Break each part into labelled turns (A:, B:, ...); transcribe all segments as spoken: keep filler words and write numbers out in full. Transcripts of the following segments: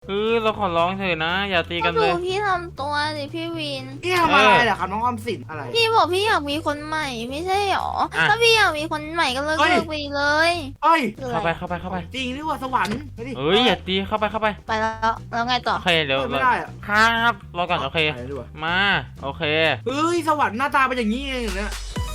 A: เออเราขอร้องเถอะนะอย่าตีกันเลย
B: พี่ทำตัวดิพี่วิน
C: พี่ทำอะไรเหรอครับน้องออมสินอะไร
B: พี่บอกพี่อยากมีคนใหม่ไม่ใช่หรอถ้าพี่อยากมีคนใหม่ก็เลิกเลิกไปเลย
C: เอ้ย
A: เข้าไปเข้าไปเข้าไป
C: จริงนี่ว่าสวรรค์ไปดิ
A: เอ้ยอย่าตีเข้าไปเข้าไป
B: ไปแล้วแล้วไงต่อ
A: โอเคเดี๋ยว
C: ไม่ได้อะ
A: ครับรอก่อนโอเค
C: ไปดีกว่า
A: มาโอเค
C: เฮ้ยสวรรค์หน้าตาเป็นอย่างนี้เองเนี่ย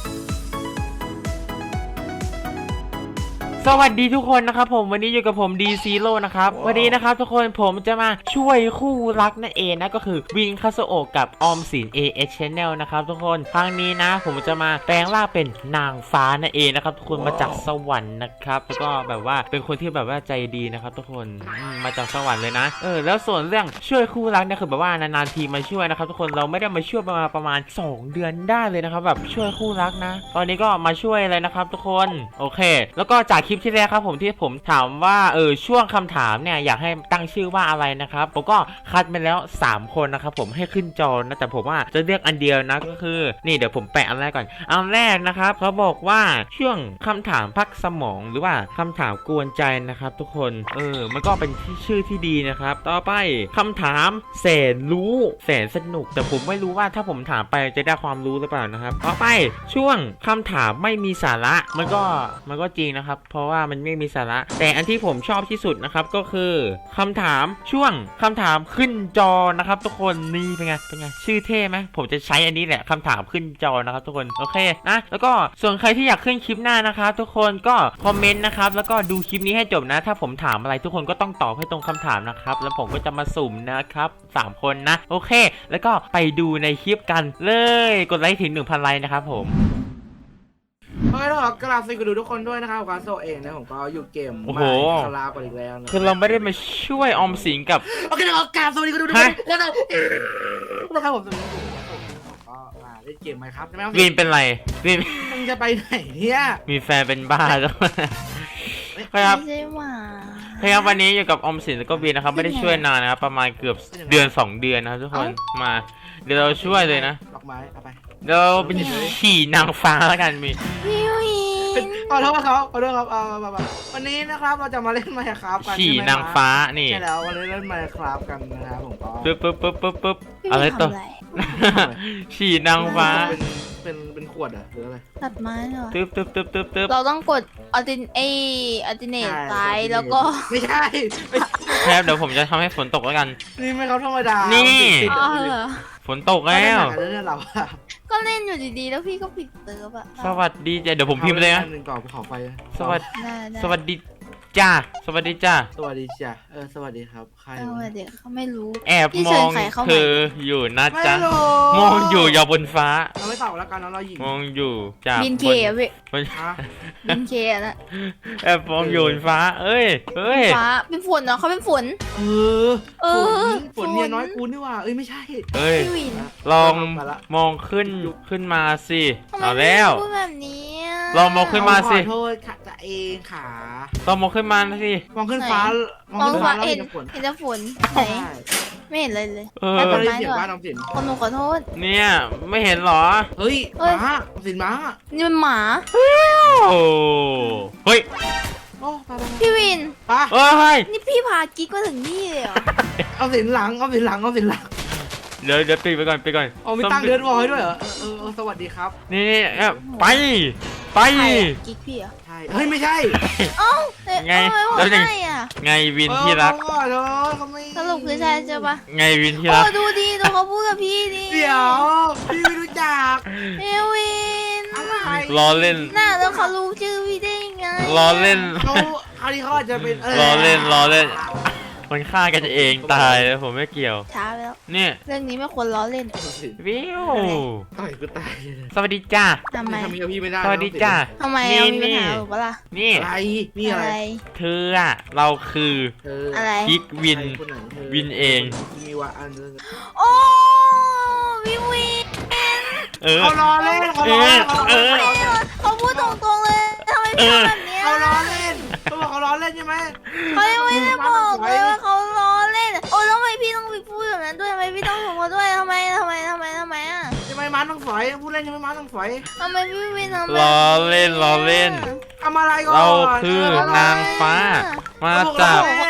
A: สวัสดีทุกคนนะครับผมวันนี้อยู่กับผมดีซีโร่นะครับวันนี้นะครับทุกคนผมจะมาช่วยคู่รักนั่นเองนะก็คือวินคาโซโอะกับออมสิน เอ เอช Channel นะครับทุกคนครั้งนี้นะผมจะมาแปลงร่างเป็นนางฟ้านั่นเองนะครับทุกคนมาจากสวรรค์นะครับแล้วก็แบบว่าเป็นคนที่แบบว่าใจดีนะครับทุกคนมาจากสวรรค์เลยนะเออแล้วส่วนเรื่องช่วยคู่รักเนี่ยคือแบบว่านานๆทีมาช่วยนะครับทุกคนเราไม่ได้มาช่วยประมาณประมาณสองเดือนได้เลยนะครับแบบช่วยคู่รักนะตอนนี้ก็มาช่วยเลยนะครับทุกคนโอเคแล้วก็จากคลิปที่แล้วครับผมที่ผมถามว่าเออช่วงคำถามเนี่ยอยากให้ตั้งชื่อว่าอะไรนะครับผมก็คัดมาแล้วสามคนนะครับผมให้ขึ้นจอนะแต่ผมว่าจะเลือกอันเดียวนะก็คือนี่เดี๋ยวผมแปะอันแรกก่อนอันแรกนะครับเขาบอกว่าช่วงคำถามพักสมองหรือว่าคำถามกวนใจนะครับทุกคนเออมันก็เป็นชื่อที่ดีนะครับต่อไปคำถามแสนรู้แสนสนุกแต่ผมไม่รู้ว่าถ้าผมถามไปจะได้ความรู้หรือเปล่านะครับต่อไปช่วงคำถามไม่มีสาระมันก็มันก็จริงนะครับเพราะว่ามันไม่มีสาระแต่อันที่ผมชอบที่สุดนะครับก็คือคำถามช่วงคำถามขึ้นจอนะครับทุกคนนี่เป็นไงเป็นไงชื่อเท่ไหมผมจะใช้อันนี้แหละคำถามขึ้นจอนะครับทุกคนโอเคนะแล้วก็ส่วนใครที่อยากขึ้นคลิปหน้านะครับทุกคนก็คอมเมนต์นะครับแล้วก็ดูคลิปนี้ให้จบนะถ้าผมถามอะไรทุกคนก็ต้องตอบให้ตรงคำถามนะครับแล้วผมก็จะมาสุ่มนะครับสามคนนะโอเคแล้วก็ไปดูในคลิปกันเลยกดไลค์ถึง หนึ่งพัน ไลค์นะครับผม
C: โอเคแล้วกราบสวัสดีทุกคนด้วยนะครับการโซเองนะผมก็อยู่เกม
A: โอ้โห
C: คารากันอีกแล้วนะ
A: คือเราไม่ได้มาช่วยออมสินกับ
C: โอเคแล้วกราบสวัสดีทุกคนด้วยแล้วนะครับผมสวัสดีผมก็มาเล่นเกมไหมครับใช่ไหม
A: วินเป็นไรวิน
C: มึงจะไปไหนเนี่ย
A: มีแฟนเป็นบ้าแล้วครับ
B: ไม่ใช่หมา
A: ครับวันนี้อยู่กับออมสินแล้วก็วินนะครับไม่ได้ช่วยนานนะครับประมาณเกือบเดือนสองเดือนนะครับทุกคนมาเดี๋ยวเราช่วยเลยนะ
C: ดอกไม้เอาไป
A: เดี๋ยวเป็นฉี่นางฟ้าแล้วกันมี
B: พี่วิน
C: ขอโทษครับขอโทษครับเอาวันนี้นะครับเราจะมาเล่นไมค์ครับกัน
A: ฉี่นางฟ้านี่
C: ใช่แล้ววันนี้เล่นไมค์ครับกันนะครับผมก็
A: ปึ๊บปึ๊บปึ๊บปึ๊บปึ๊บ
B: พี่
A: อะไร
B: วิน
A: ต่อ
B: ทำอะไร
A: ฉี่นางฟ้า
C: เป็นเป็นเป็นขวดอะหรืออะไร
B: ตัดไม้เหรอ
A: ตึ๊บตึ๊บตึ๊บตึ๊บตึ๊บ
B: เราต้องกดอัลตินเออัลติเนตซ้ายแล้วก็
C: ไม่ใช่ไม่ใช่
A: แค่เดี๋ยวผมจะทำให้ฝนตกแล้วกัน
C: นี่ไม่เขาธรรมดา
A: นี่
C: ติด
B: อ๋อ
C: ติด
B: เหรอ
A: ฝนตกแล้ว
C: เรื่องเราอะ
B: ก็เล่นอยู่ดีๆแล้วพี่ก็ปิดเติร์ฟอะ
A: สวัสดีจ้ะเดี๋ยวผมพิมพ์เลยนะ
C: หนึ่งก่อนภูเขาไฟ
A: สวัสดี
B: ได้ได้
A: สวัสดีจ้าสวัสดีจ้า
C: สวัสดีจ้ะเออสวัสดีครับใคร
B: เอาไว้เดี๋ยวเขาไม่รู้
A: แอบ
B: พี่
A: ม
B: เชิ
A: อ
B: ญ
A: ง
B: ใครเข้ามา
A: เธออยู่นะ
C: ไม่
A: จ๊ะ
C: รู้
A: มองอยู่ยาวบนฟ้า
C: เราไม่ตอบแล้วกันนะเราหญิง
A: มองอยู่จาก
B: บินเค
A: บ
B: อะพี่
A: บน
C: ฮะ
B: บินเคอะนะ
A: แอบมองอยู่บนฟ้า เอ้ยเอ้ย
B: ฟ้าเป็นฝนเนาะเขาเป็นฝน
C: เออ
B: เออ
C: ฝนฝนเนี่ยน้อยกูนี่ว่าเอ้ยไม่ใช่
A: เอ้ย
B: พี่วิน
A: ลอง
C: มาละ
A: มองขึ้นขึ้นมาสิ
B: ทำไม
A: เอา
B: พี่
A: แล้ว
B: พูดแบบนี้อะ
A: ลองมองขึ้นมาสิ
C: ขอโทษค่ะจะเองขา
A: ลองมองขึ้นมาสิ
C: มองขึ้นฟ้าม
B: มอง
C: ขึ้น
B: ฟ้า
C: ฟ้าแล้ว
B: เห็น
C: เห็นฝน
B: เห็นแต่ฝนไหน
C: ใช่
B: ไม่เห็นเลยเลย
A: เออ
B: ไป
C: ไม่
B: ต้น
C: ได้
B: ไม้
C: เสียง
B: ด้วย
C: บ้านน้องสิน
B: คนหนูขอโทษ
A: เนี่ยไม่เห็นเหรอ
C: เฮ้ย
B: เฮ้ย
C: ม้าสินม้า
B: นี่มันหมา
A: โอ้เฮ้ย
C: โอ้ไปไป
B: พี่วิน
C: ไป
A: เอ้ย
B: นี่พี่พากิ๊กมาถึงนี่เลยเหรอ
C: เอาสินหลังเอาสินหลังเอาสินหลัง
A: เดี๋ยวเดี๋ยวปิดไปก่อนไปก่อน
C: เอามีตั้งเดือนวอยด้วยเหรอเออเออสวัสดีครับ
A: นี่นี่เอ้ยไปไป
B: ใครอะกิ๊กพี่เหรอ
C: ใช่เฮ้ยไม่ใช่
B: เอ้าเอ๊ะ
A: ไง
B: ทำไมบอก
A: แล้วยัง
B: ใช่อ่ะ
A: ไงวินที่รัก
C: เออเขาขอโทษเขาไม่
B: สรุปคือใช่ใช่ปะ
A: ไงวินที่
B: โอ้
A: รัก
B: ดูดีดูเขาพูดกับพี่ดิ
C: เดี๋ยวพี่ไม่รู้จัก
B: เอวิน
C: อะไร
A: ล้อเล่น
B: น่าแล้วเขารู้ชื่อพี่ได้ยังไง
A: ล้อเล่น
C: เขาคราวนี้เขาอาจจะเป็น
A: ล้อเล่นล้อเล่น มันฆ่ากันเองตายเลยผมไม่เกี่ยว
B: ช้าไปแล้ว
A: เนี่ย
B: เรื่องนี้ไม่ควรล้อเล่น
A: วิว
C: ต่อยกูตาย
A: สวัสดีจ้า
B: ทำไม
C: ทำกับพี่ไม่ได้
A: สวัสดีจ้า
B: ทำไม
A: นี่
B: เอามีปัญ
A: นี่
B: หาหรือเปล่าล่ะ
A: นี่
C: อะไรนี่อะไร
A: เธออะเราคือ
C: เออ
B: อะไร
A: กิ๊กวิน
C: คนไหนเธอ
A: วินเอง
C: มีว่าอันนึง
B: โอ้พี่วิน
A: เออ
C: เขาล้อเล่นเขาล้อเล่น
A: เออ
B: เขาพูดตรงๆเลยทำไมพี่ทำแบบเนี้ย
C: เขาล้อเล่นเขาบอกเขาล้อเล่นใช่ไหม
B: เขายังไม่ได้บอกเลยว่าเขาล้อเล่นโอ้แล้วทำไมพี่ต้องไปพูดแบบนั้นด้วยทำไมพี่ต้องถูกเขาด้วยทำไมทำไมทำไมทำไมอ่ะ
C: ใช่ไหมม้าต้องฝอยพูดเล่นใช่ไหมม้าต้องฝอย
B: ทำไมพี่วินทำแบบ
A: ล้อเล่นล้อเล่น
C: ทำอะไรก่อน
A: เราคือนางฟ้า มาจาก
C: เล่น
B: เขาบอก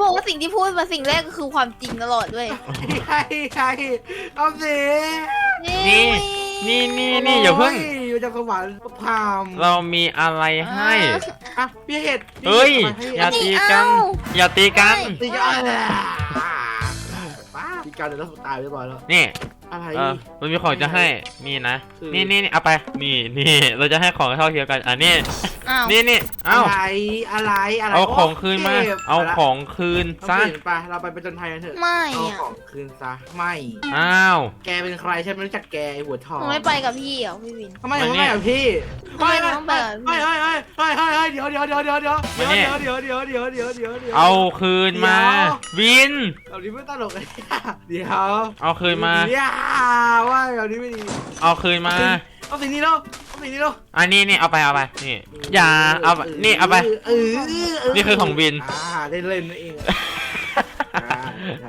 B: บอกว่าสิ่งที่พูดมาสิ่งแรกก็คือความจริงตลอดด้วย
C: ใครใครเอาสิ
A: นี่นี่นี่นี่อย่าเพิ่ง
C: อยู่จากสวรรค์พาม
A: เรามีอะไรให้
C: อ่ะพี่เห็ด
A: เฮ้ยอย่าตีกัน อย่าตีกัน
C: ตีกันป้าตีกันเดี๋ยวเราตายเรียบร้อยแล้ว
A: นี่
C: อะไร
A: เออมันมีของจะให้นี่นะ
C: คือ
A: นี่นี่นี่เอาไปนี่นี่เราจะให้ของเท่าเทียมกันอ่ะนี่
B: อ้าว
A: นี่นี่เอ้า
C: อะไรอะไรอะไร
A: เอาของคืนมา
C: เก็บ
A: เอาของคืน
C: ซะ
A: ซะ
C: ไปเราไปเป็นจนภัยกันเถอะ
B: ไม่
C: เอา
B: อ่ะ
C: ของคืนซะไม่
A: อ้าว
C: แกเป็นใครใช่ไหมรู้จักแกไอ้หัวทอง
B: หนูไม่ไปกับพี่เหรอพี่วิน
C: ทำไมถึงไม่กับพี่
B: ทำไมต้องไปกับพี่
C: เฮ้ยเฮ้ยเฮ้ยเฮ้ยเฮ้ยเฮ้ยเดี๋ยวเดี๋ยวเดี๋ยวเดี๋ยวเดี๋ยว
A: มานี่
C: เดี๋ยวเดี๋ยวเดี๋ยวเดี๋ยวเดี๋ยวเดี๋ยว
A: เอาคืนมา วิน
C: เอานี้ไม่ตลกเลยเดี๋ยว
A: เอาคืนมา
C: เดี๋ยวว่าเอานี้ไม่ดี
A: เอาคืนมา
C: เอาสิ่งนี้เนาะเอาสิ่งนี้เนาะ
A: อันนี้นี่เอาไปเอาไปนี่อย่าเอาไปนี่เอาไป
C: เออเออ
A: นี่คือของวิน
C: อ่าได้เล่นนั่นเองอ่า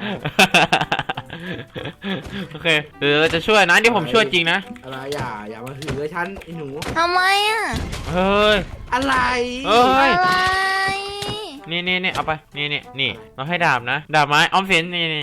A: โอเคเดี๋ยวเราจะช่วยนะที่ผมช่วยจริงนะ
C: อะไรอย่าอย่ามาถือฉันไอ้หนู
B: ทำไมอ่ะ
A: เฮ้ย
C: อะไร
A: เอ้ย
B: อะไร
A: นี่นี่นี่เอาไปนี่นี่นี่เราให้ดาบนะดาบไม้ออมสินนี่นี่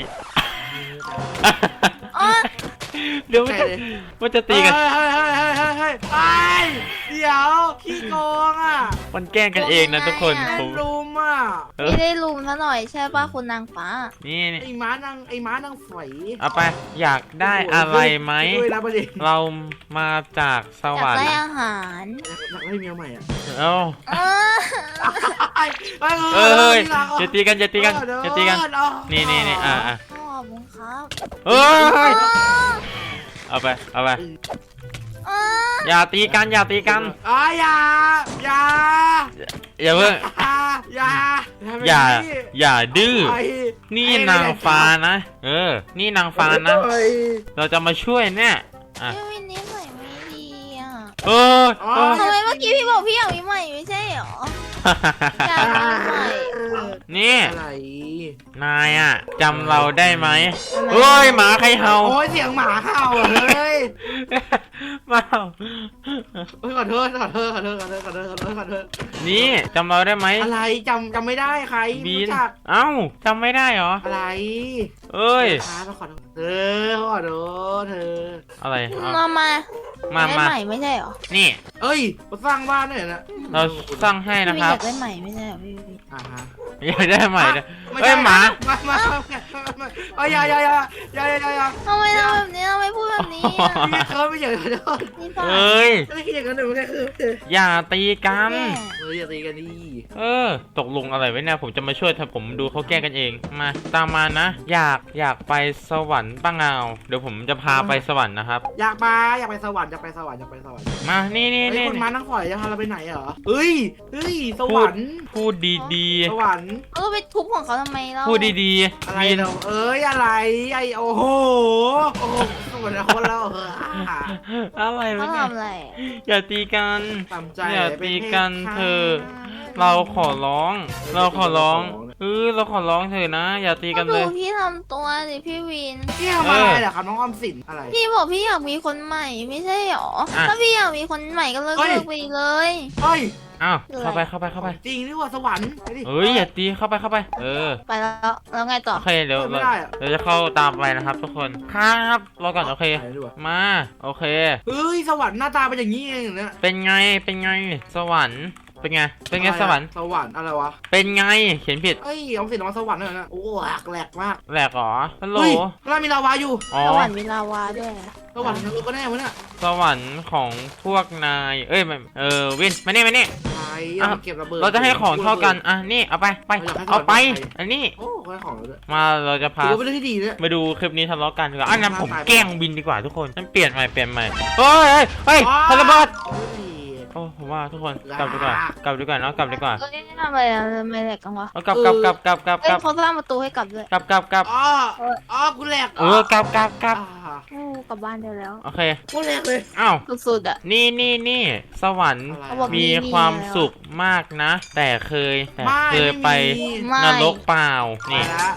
B: อ๋อ
A: เดี๋ยวมันจะมันจะตีกัน
C: เฮ้ยเฮ้ยเฮ้ยเฮ้ยเฮ้ยเฮ้ยเดี๋ยวขี้โกงอ่ะ
A: มันแกล้งกันเองนะทุกคน
C: แม่
A: ผม
C: รุมอ่ะ
A: เออ
B: ไม่ได้ลุมซะหน่อยใช่ป่ะคุณนางฟ้า
A: นี่นี่
C: ไอ้ม้านางไอ้ม้านางฝอย
A: เอาไปอยากได้อะไรไหม
C: ด้วยนะประเด็น
A: เรามาจากส
B: อยาว
A: ร
B: ก
A: ร
B: ได้
A: ค์
B: อาหาร
C: อยากได้เมียใหม่อ่ะ
A: เอ้า
B: เออ
C: ไอ้ไอ้
A: เอ้ยอย่าตีกันอย่าตีกันอย่าตีกัน นี่นี่นี่อ่ะอ่ะ
B: ขอบคุณครับ
A: เอ้ย
B: อ๋อ
A: เอาไปเอาไป
B: อ๋อ
A: อย่าตีกันอย่าตีกัน
C: อ๋ออย่าอย่า
A: อย่าเพิ่ง
C: อย่า
A: อย่าอย่าดื้อ
C: ไอ้
A: นี่นางฟ้านะ เออ นี่นางฟ้านะ
C: ไอ้
A: เราจะมาช่วยเนี่ยอ่ะ
B: พี่วินนี่ใส่ไม่ดีอ่ะ
A: เออเออ
B: ทำไมเมื่อกี้พี่บอกพี่อยากมีใหม่ไม่ใช่เหรอ อยากมีใหม่
A: นี่
C: อะไร
A: นายอ่ะจำเราได้ไหมเฮ้ยหมาใครเห่า
C: โอ้ยเสียงหมาเห่าอ่ะเฮ้ย
A: มาเห่า
C: เฮ้ยขอโทษขอโทษขอโทษขอโทษขอโทษขอโทษขอโทษ
A: นี่จำเราได้ไหม
C: อะไรจำจำไม่ได้ใคร
A: บี
C: รู้
A: น
C: จัก
A: เอ้าจำไม่ได้เหรอ
C: อะไร
A: เอ้ย
C: ช้าไปขอโทษเธอขอโทษเธอ
A: อะไรเอา
B: มามา
A: มา
B: ได้
A: มา
B: ใหม่ไม่ใช่เหรอ
A: นี่
C: เอ้ยมาสร้างบ้านหน่อยนะ
A: เราสร้างให้
B: พี่
A: นะ
B: วิน
A: ครั
B: อบ ยากได้ใหม่ไม่ใช่เหรอพี่วิน
C: อ่าฮะ
A: อยากได้ใหม่เลย
C: ไม่
A: เอ้
C: ใช่
A: ยหมา
C: มามามามาเอ้ยอย่าอย่าอย่าอย่าอย่าอย่าอย่า
B: ทำไมทำแบบนี้ทำไมพูดแบบนี้อ่ะ
C: พี่เคิร์ฟไม่อยากขอโทษ
B: นี่ป่ะ
A: เอ้ย
C: ไม่คิดอย่างนั้นหนูไม่ได้คือ
A: อย่าตีกัน
B: แม่
C: เอออย่าตีกันดิ
A: เออ ตกลงอะไรไว้เนี่ยผมจะมาช่วยถ้าผมดูเขาแกล้งกันเอง มาตามมานะ อยากอยากไปสวรรค์ป้างาวเดี๋ยวผมจะพาไปสวรรค์นะครับ
C: อยากมาอยากไปสวรรค์อยากไปสวรรค์อยากไปสวรรค์
A: มา นี่นี่
C: เฮ้ย
A: นี่
C: คุณมานั่งฝอยจะพาเราไปไหนเหรอเฮ้ยเฮ้ยสวรรค์
A: พูดดี
C: สวรรค์
B: เออไปทุบของเขาทำไมเรา
A: ๆ พูดดี
C: อะไร
A: ๆวิน
C: เราเอ้ยอะไรไอโอ้โหโอ้โหสวรรค์คนเราเออ
A: อะไร
B: เขา
A: วะเนี่ย
B: ทำอะไร
A: อย่าตีกัน
C: ตามใจ
A: อย่าตีกันเถอะ เราขอร้อง เราขอร้องเออเราขอร้องเถอะนะ อย่าตี
B: ก็
A: กัน
B: ดู
A: เลย
B: พี่ทำตัวสิพี่วิน
C: พี่ทำอะไรเหรอครับน้องออมสินอะไร
B: พี่บอกพี่อยากมีคนใหม่ไม่ใช่หรอ
A: อ่ะ
B: ถ้าพี่อยากมีคนใหม่ก็เลิก
C: เฮ้ย
B: เลิกไปเลย
C: เฮ้ย
A: อ้าวเข้าไปเข้าไปเข้าไป
C: จริงหรือว่าสวรรค์ไปดิ
A: เอ้ยอย่าตีเข้าไปเข้าไป เออ
B: ไปแล้วแล้วไงต่อ
A: โอเคเดี๋ยว
C: ไม่
A: เรา
C: ได้อะ
A: เดี๋ยวจะเข้าตามไปนะครับ ทุกคนครับรอก่อนโอเค
C: ไปดีกว่า
A: มาโอเค
C: เฮ้ยสวรรค์หน้าตาเป็นอย่างนี้เองเนี่ย
A: เป็นไงเป็นไงสวรรค์เป็นไงเป็นไง
C: อะไรอะ
A: สวรรค์
C: สวรรค์อะไรวะ
A: เป็นไงเขียนผิด
C: เอ้ยออมสินมาสวรรค์เลยนะโอ้แหลกแหลกมาก
A: แหลกเหรอฮัลโหล
C: เฮ้ยแล้วมีลาวาอยู่
A: อ๋อ
B: สวรรค์มีลาวาด้วย
C: สวรรค์นรกก็แน่วะเนี่ย
A: สวรรค์ของพวกนายเอ้ยไม่เออวินมานี่มานี่
C: ใช่
A: อ่ะ
C: เก็บระเบิด
A: เราจะให้ของเท่ากันอ่ะนี่เอาไปไป
C: เราอยากให้
A: เอาไป
C: สวรรค์
A: อันนี้
C: โอ้ให้ของเราด้วย
A: มาเราจะ
C: ถื
A: พา
C: อว่าเป็นเรื่องที่ดีเนี่ย
A: มาดูคลิปนี้ทะเลาะกันดีกว่าอ่ะงั้นผม
C: ตายไป
A: แกล้งวินดีกว่าทุกคนนั่นเปลี่ยนใหม่เปลี่ยนใหม่เฮ้ยเฮ้ยเฮ้ยทะเลาะเบิด
C: เฮ้ย
A: โอ้ผมว่าทุกคนกลับดีกว่ากลับดีกว่าเนาะกลับดีกว่า
B: เอ้ยทำอะไรอะทำไมแหลกกันวะ
A: เอากลับกลับกลับกลับกลับ
B: เอ้
A: ก
B: ย
A: ลับ
B: เขาสร้างประตูให้กลับด้วย
A: กลับกลับกลับ
C: อ๋ออ๋อกูแหลก
A: เออกลับกลับกลับ
C: อ่า
B: โอ้กลับบ้านได้แล้ว
A: โอเค
C: กูแหลกเลย
A: อ้าว
B: สุดๆอ่ะ
A: นี่นี่นี่สวรรค์
C: อะไร
B: เขาบอก
A: มีความสุขมากนะ แต่เคยแต่
C: ไม่
A: เคยไป
C: ม่มี
B: ไม่
A: นรกเปล่า
C: ไป
A: นี่
C: ละ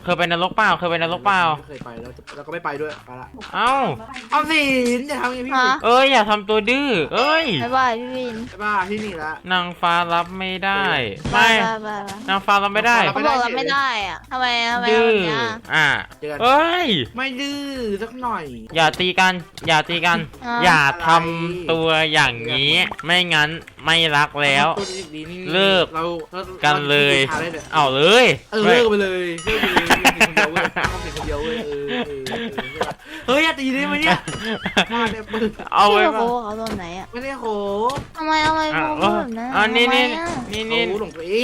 A: เคยไปนรกเปล่าเคยไปนรกเปล่า
C: ไม่เคยไปแล้วแล้วก็ไม่ไปด้วยไปละ
A: เอ้า
C: ออมสินอย่าทำอย่างนี้พี่
B: ฮะ
A: เอ้ยอย่าทำตัวดื้อเอ้ย
B: บ๊ายบายพี่วิน
C: ใช่ป่ะที่นี่ละ
A: นางฟ้ารับไม่ได้
B: บา
A: ไม่
B: ยบายบาย
A: นางฟ้ารับไม่ได้
B: เขาบอกเราไม่ได้อ่ะทำไมทำไม
A: ดื้
B: ทำ
A: อ
B: แบบเนี้ย
A: อ่ะ
C: เจอกัน
A: เอ้ย
C: ไม่ดื้อสักหน่อย
A: อย่าตีกัน อย่าตีกัน อย่าทำตัวอย่างนี้ ไม่งั้นไม่รักแล้ว
C: ตัวดีๆนี่
A: เลิก
C: เราเรา
A: กันเลย
C: ราจะ
A: เอาเลย
C: เออเลิกไปเลยเลิกไปเลยเอาเป็นคนเดียวเว้ยเอาเป็นคนเดียวเว้ยเออเออเออเฮ้ยอย่าตีได้ไหมเนี่ยมาเนี่ยปืน
A: เอา
B: พี่
A: ไว้
B: โค
A: มา
B: เขาโดนไหนอ่ะ
C: ไม่ได้โห
B: ทำไมทำไม
A: อ่ะ
B: พูดแบบนั้น
A: อ่ะนี่นี่
B: ทำไมอะ
A: นี่นี่
C: เขาหลงตัวเอง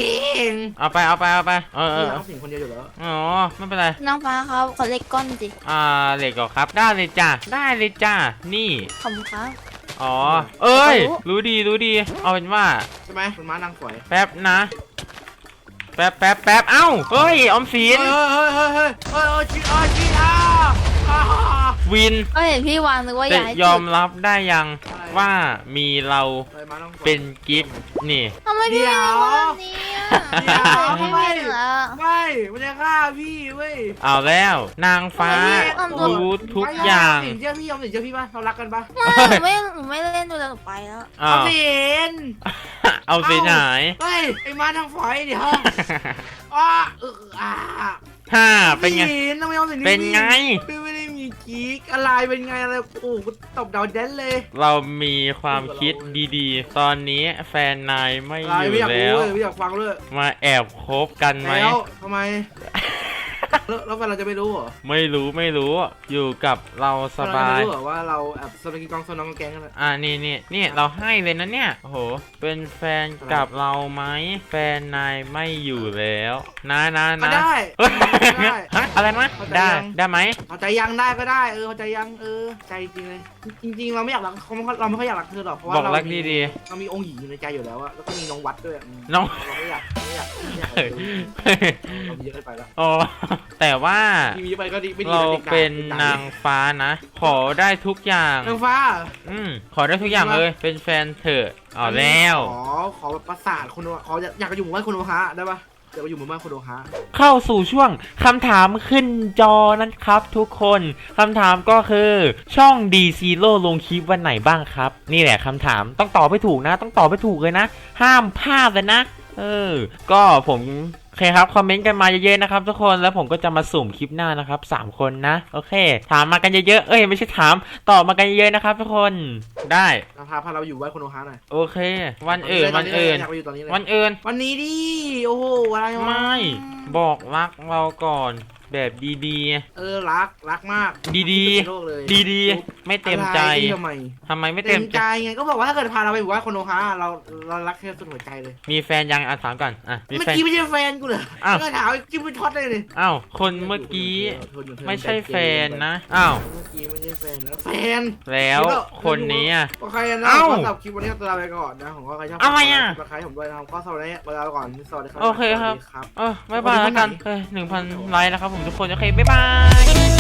A: เอาไปเอาไปเอาไปเออเอ
C: เอ
A: อ
C: อเอาสิ่งคนเดียวอยู่แล้ว
A: อ๋อไม่เป็นไร
B: น้องฟ้าเขาเขาเล็กก้อนสิ
A: อ่าเหล็กเหรอครับ ได้เลยจ้ะได้เลยจ้ะนี่
B: ขอบคุณครับ
A: อ๋อเอ้ย
B: รู้
A: รู้ดีรู้ดี เอาเป็นว่า
C: ใช่ไหมมันม้านางฝอย
A: แป๊บนะ แป๊บแป๊บแป๊บเอ้าเฮ้ยออมสิ
C: เฮ้ย
A: น
C: เฮ้ยเฮ้ยเฮ้ยเฮ้ยเฮ้ยชีอาชีอาอ่า
A: วิน
B: ก็เห็นพี่วางนึกว่าอ
A: จะ
B: ยากให้
A: ยอ
B: จุ
A: ม
B: ด
A: รับได้ยังว่ามีเรา
C: เฮ้ยม้านางฝอย
A: เป็นกิฟต์นี่
B: ทำไมพี่
C: เดี๋
B: ไม่
C: ยว
B: ทำแบบนี้อ่ะ
C: เดี๋ยว
B: พี่
C: ทำไม
B: ไม่เหรอ
C: ไม่มันจะฆ่าพี่เว้ย
A: เอาแล้ว นางฟ้า
B: ทำไมพี่
A: รู้ทุกอย่าง
C: สินเชื่อพี่ยอมสินเชื่อพี่ป่ะเรารักกันป่ะ
B: ไม่หนูไม่หนูไม่เล่นดูแล้วหนูไปแล้ว
A: เอา
C: เอาสิน
A: เอาสิหาย
C: เฮ้ยไอ้ม้านางฝอยเดี๋ยวอ้าเอออ่า
A: ฮ่าเป็นไง
C: สินทำไมเอาสิน
A: เป็นไง
C: พี่ไม่ได้มีกิ๊กอะไรเป็นไงอะไรโอ้โหตบดาวแดนเลย
A: เรามีความคิดดีๆ ตอนนี้แฟนนายไม่
C: อะไร
A: อยู่
C: ไม่อยาก
A: แล้
C: รู้
A: ว
C: เลยไม่อยากฟังเลย
A: มาแอบคบกันไหม
C: แล้วทำไมแล้วแล้วแฟนเราจะไม่รู้เหรอ
A: ไม่รู้ไม่รู้ อยู่กับเราสบาย
C: เรจะไม่รู้เหรอว่าเราแอบสนับกองสนองกองแกงกันเลย
A: อ่านี่นี่นี่เราให้เลยนะเนี่ย โอ้โห เป็นแฟนกับเราไหม แฟนนายไม่อยู่แล้วนะนะ
C: ก็
A: นะ
C: ได้
A: เฮ้ย
C: ได้
A: ฮะอะไรนะ
C: เข้าใจ
A: ได้
C: ยัง
A: ได้ไหม
C: เอาใจยังได้ก็ได้เออเอาใจยังเออใจจริงเลยจริงๆเราไม่อยากรักเขาไม่ค่อยเราไม่ค่อยอยากรักเธอหรอกเพราะว่า
A: บอก
C: เรา
A: รัก
C: มี
A: ดี
C: เรามีองค์หญิงอยู่ในใจอยู่แล้วอะแล้วก็มีน้องวัดด้วยอืม
A: น้อง
C: เราไม่อยากไม่อยากไม่อยากเรามีเยอะเกินไปแล้ว
A: อ๋อแต่ว่า
C: มีเยอะไปก็ดีไม่ดี
A: เรา
C: นะด็กด่
A: เป็น
C: ด็กด่
A: นางฟ้านะ ขอได้ทุกอย่าง
C: นางฟ้า
A: อืมขอได้ทุกอย่างเลย เป็นแฟนเถอะเอาแล้ว
C: ขอขอแบบประสาทคนดูขออยากอยากไปอยู่หมู่บ้านคนโอฮะได้ปะอยากไปอยู่หมู่บ้านคนโอฮะ
A: เข้าสู่ช่วงคำถามขึ้นจอนะครับทุกคนคำถามก็คือช่อง D Zero ลงคลิปวันไหนบ้างครับ นี่แหละคำถามต้องตอบให้ถูกนะ ต้องตอบให้ถูกเลยนะ ห้ามพลาดเลยนะ เออ ก็ผมโอเคครับคอมเมนต์กันมาเยอะๆนะครับทุกคนแล้วผมก็จะมาสุ่มคลิปหน้านะครับสามคนนะโอเค ถามมากันเยอะๆเอ้ยไม่ใช่ถามตอบมากันเยอะๆนะครับทุกคนได้
C: นางฟ้าพาเราอยู่บ้านคนโอฮะหน่อย
A: โอเค วันอื่นวันอื่น
C: อยากไปอยู่ตอนนี้เลย
A: วันอื่น
C: วันนี้ดิโอ้โหอะไรวะ
A: ไม่บอกรักเราก่อนแบบดี
C: เออรักรักมาก
A: ๆ ดี
C: ในโลกเลย
A: ๆ ดีๆ ไม่เต็มใจ
C: อะไรทำไม
A: ทำไมไม่
C: เต็
A: เต็
C: ม
A: ม
C: ใจ
A: ใจ
C: ไงก็บอกว่าถ้าเกิดพาเราไปอยู่บ้านคนโอฮะเราเรารักแค่สุดหัวใจเลย
A: มีแฟนยังอ่ะถามก่อนอ่ะมี
C: เมื่อ
A: แฟน
C: กี้ไม่ใช่แฟนกูเหรอ
A: อ้าว
C: ก็ถามจิ้มไปท็อตเลยเลย
A: อ้าวคนเมื่อกี้ไม่ใช่แฟนนะอ้าว
C: เมื่อกี้ไม่ใช่แฟนนะแฟน
A: แล้วคนนี้อ่ะ
C: ก็ใครนะ
A: เอ้า
C: ก็สำหรับคลิปวันนี้ก็ลาไปก่อนนะผมก็ใครชอบ
A: อะไรอ่ะ
C: ใครผมด้วยนะครับก็สวัสดีลาไปก่อนสวัสดีครับ
A: โอเคครับ
C: สวัสดีครับ
A: เออบ๊ายบายแล้วกันเออหนึ่งพันไลค์นะครับผมทุกคนโอเคบ๊ายบาย